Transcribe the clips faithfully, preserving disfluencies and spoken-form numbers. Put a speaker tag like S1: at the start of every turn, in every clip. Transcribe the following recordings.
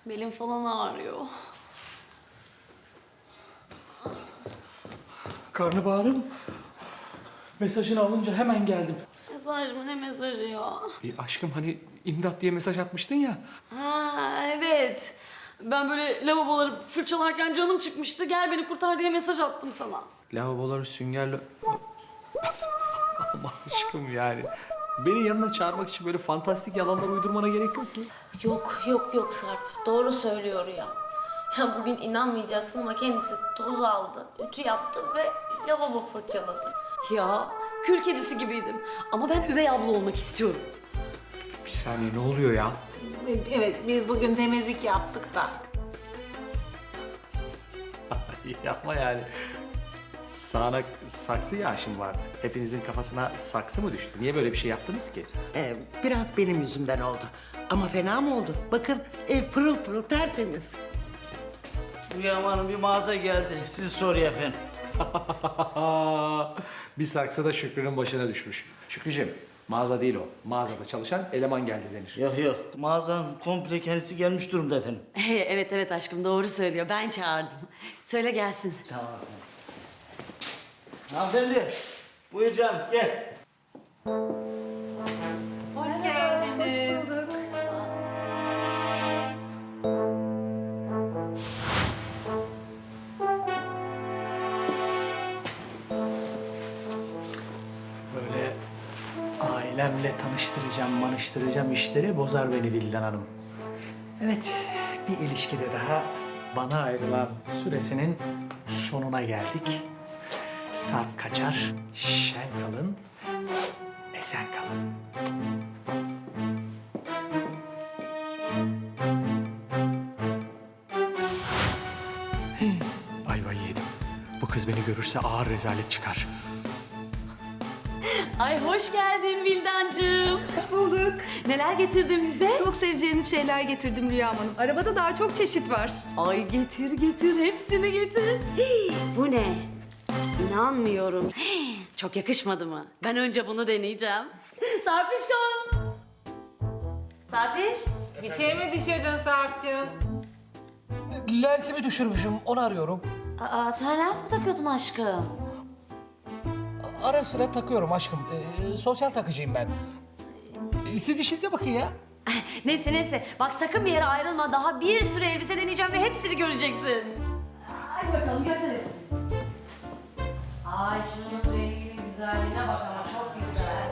S1: Belim falan ağrıyor.
S2: Karnabaharım. Mesajını alınca hemen geldim.
S1: Mesaj mı ne mesajı ya?
S2: E, aşkım hani imdat diye mesaj atmıştın ya.
S1: Ha evet. Ben böyle lavaboları fırçalarken canım çıkmıştı. Gel beni kurtar diye mesaj attım sana.
S2: Lavaboları süngerle... Ama aşkım yani. Beni yanına çağırmak için böyle fantastik yalanlar uydurmana gerek yok ki.
S3: Yok yok yok Sarp. Doğru söylüyor ya. Ya bugün inanmayacaksın ama kendisi toz aldı, ütü yaptı ve lavabo fırçaladı.
S1: Ya kül kedisi gibiydim. Ama ben üvey abla olmak istiyorum.
S2: Bir saniye ne oluyor ya?
S4: Evet, biz bugün temizlik yaptık da.
S2: Yapma yani. Sağanak saksı yağışım vardı. Hepinizin kafasına saksı mı düştü? Niye böyle bir şey yaptınız ki?
S5: Ee, biraz benim yüzümden oldu. Ama fena mı oldu? Bakın ev pırıl pırıl tertemiz.
S6: Rüyam Hanım bir mağaza geldi. Sizi soruyor efendim.
S2: Bir saksı da Şükrü'nün başına düşmüş. Şükrücüğüm, mağaza değil o. Mağazada çalışan eleman geldi denir.
S6: Yok yok. Mağazanın komple kendisi gelmiş durumda efendim.
S1: evet evet aşkım doğru söylüyor. Ben çağırdım. Söyle gelsin.
S6: Tamam efendim. Hanımefendi. Buyur canım gel.
S4: Hoş geldiniz. Hoş bulduk.
S7: Böyle ailemle tanıştıracağım, manıştıracağım işleri bozar beni Vildan Hanım. Evet, bir ilişkide daha bana ayrılan süresinin sonuna geldik. Sarp kaçar, şen kalın, esen kalın. Hey, ayvayı yedim. Bu kız beni görürse ağır rezalet çıkar.
S1: Ay hoş geldin Vildancığım.
S8: Hoş bulduk.
S1: Neler getirdin bize?
S8: Çok seveceğiniz şeyler getirdim Rüyam Hanım. Arabada daha çok çeşit var.
S1: Ay getir getir hepsini getir. Hii, bu ne? İnanmıyorum. Hii, çok yakışmadı mı? Ben önce bunu deneyeceğim. Sarpişkom. Sarpiş.
S4: Bir şey mi düşürdün Sarp'cığım?
S7: Lensimi düşürmüşüm, onu arıyorum.
S1: Aa, sen lens mi takıyordun aşkım?
S7: Ara sıra takıyorum aşkım. Ee, sosyal takıcıyım ben. Ee, siz işinize bakın ya.
S1: Neyse neyse. Bak sakın bir yere ayrılma. Daha bir sürü elbise deneyeceğim ve hepsini göreceksin. Hadi bakalım gösterirsin. Ay şunun renginin güzelliğine bak ama çok güzel.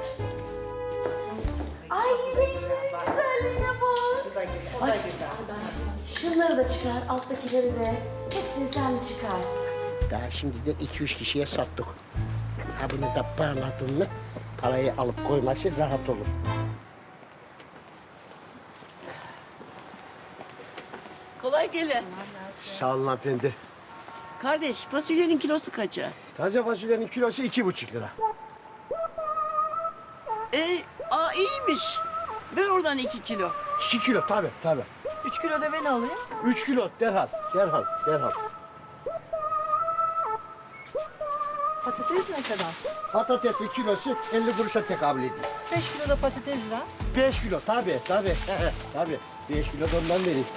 S1: Ay renginin güzelliğine bak. Ay, şunları da çıkar, alttakileri de. Hepsini sen de çıkar.
S9: Daha şimdiden iki üç kişiye sattık. Ha bunu da bağladın mı parayı alıp koyması rahat olur.
S10: Kolay gelin.
S9: Sağ olun hanımefendi.
S10: Kardeş fasulyenin kilosu kaça?
S9: Taze fasulyenin kilosu iki buçuk lira.
S10: E, aa iyiymiş. Ver oradan iki kilo.
S9: İki kilo tabii tabii.
S4: Üç kilo da ben alayım.
S9: Üç kilo derhal, derhal, derhal.
S4: Patates ne kadar?
S9: Patatesin kilosu elli kuruşa tekabül ediyor.
S4: Beş kilo da patates var.
S9: Beş kilo tabii tabii. Tabii. Beş kilo da ondan vereyim.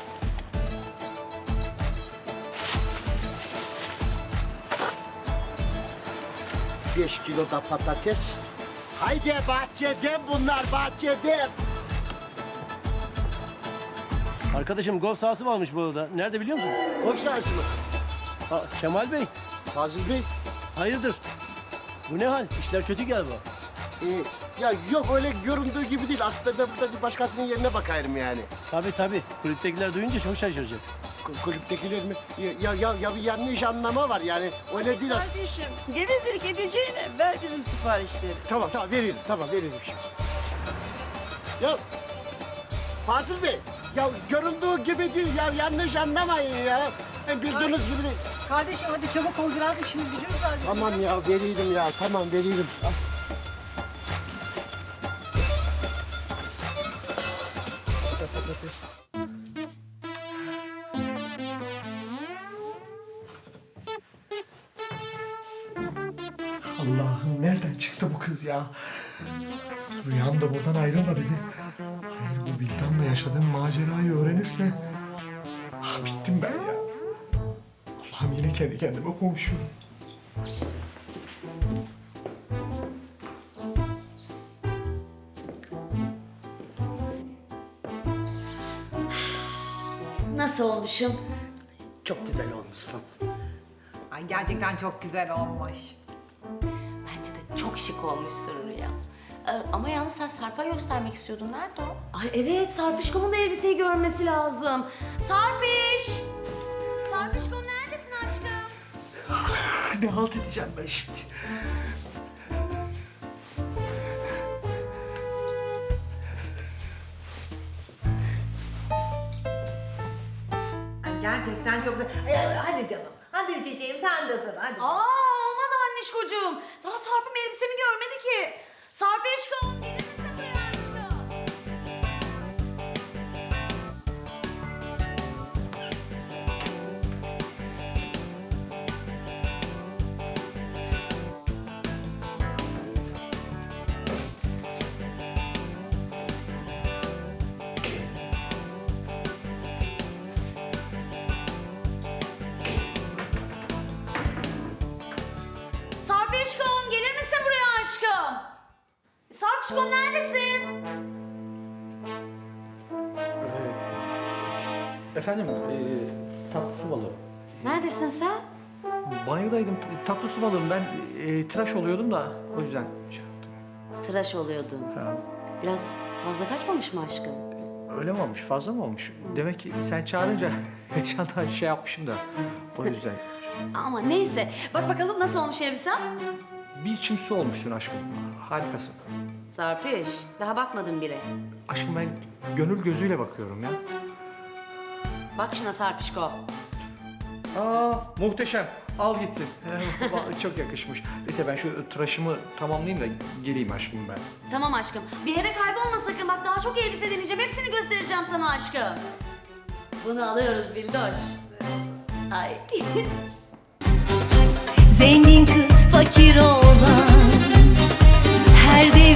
S9: Beş kilo da patates. Haydi bahçeden bunlar bahçeden.
S6: Arkadaşım golf sahası varmış bu arada. Nerede biliyor musun?
S9: Golf sahası mı?
S6: Ha, Kemal Bey.
S9: Fazıl Bey.
S6: Hayırdır? Bu ne hal? İşler kötü galiba.
S9: Ee, ya yok öyle göründüğü gibi değil. Aslında ben burada bir başkasının yerine bakayım yani.
S6: Tabii tabii. Kulüptekiler duyunca çok şaşıracak.
S9: Ku- Kulüptekiler mi? Ya, ya, ya bir yanlış anlama var yani. Öyle değil aslında.
S10: Kardeşim gevezelik edeceğine ver bizim siparişleri.
S9: Tamam tamam veririm. Tamam veririm şimdi. Ya Fazıl Bey. Ya göründüğü gibi değil ya. Yanlış anlamayın ya. E, bildiğiniz gibi değil.
S4: Kardeşim hadi çabuk ol biraz işimiz gücümüz var.
S9: Tamam ya veririm ya. Tamam veririm.
S2: Allah'ım nereden çıktı bu kız ya? Rüyam da buradan ayrılma dedi. Hayır bu Vildan'la yaşadığım macerayı öğrenirse
S7: Bittim ben ya. Allah'ım yine kendi kendime konuşuyorum.
S1: Nasıl olmuşum?
S5: Çok güzel olmuşsun.
S4: Ay gerçekten çok güzel olmuş.
S3: Bence de çok şık olmuşsun Rüya. Ee, ama yalnız sen Sarp'a göstermek istiyordun. Nerede o?
S1: Ay evet, Sarpişkom'un da elbiseyi görmesi lazım. Sarpiş! Sarpişkom neredesin aşkım?
S7: Ne halt edeceğim ben şimdi?
S4: Ay gerçekten çok güzel. Ay, hadi canım. Hadi çiçeğim sen de dur hadi.
S1: Aa, olmaz annişkocuğum. Daha Sarp'ım elbisemi görmedi ki. Sarpişkom, gelir misin buraya aşkım? Sarpişkom, gelir misin buraya aşkım? Sarpişkom neredesin?
S2: Efendim, e, tatlı su balığı.
S1: Neredesin sen?
S2: Banyodaydım, t- tatlı su balığım. Ben e, tıraş oluyordum da o yüzden şey yaptım.
S1: Tıraş oluyordun.
S2: Ha,
S1: Biraz fazla kaçmamış mı aşkım?
S2: öyle mi olmuş, fazla mı olmuş? Demek ki sen çağırınca heyecandan şey yapmışım da o yüzden.
S1: Ama neyse. Bak bakalım nasıl olmuş elbisem?
S2: Bir içim su olmuşsun aşkım. Harikasın.
S1: Sarpiş, daha bakmadım bile.
S2: Aşkım ben gönül gözüyle bakıyorum ya.
S1: Bak şuna Sarpişko.
S2: Aa, muhteşem. Al gitsin. Vallahi çok yakışmış. Neyse ben şu tıraşımı tamamlayayım da geleyim aşkım ben.
S1: Tamam aşkım. Bir yere kaybolma sakın. Bak daha çok elbise deneyeceğim. Hepsini göstereceğim sana aşkım. Bunu alıyoruz Bildoş. Ay.
S11: Zengin kız fakir oğlan, her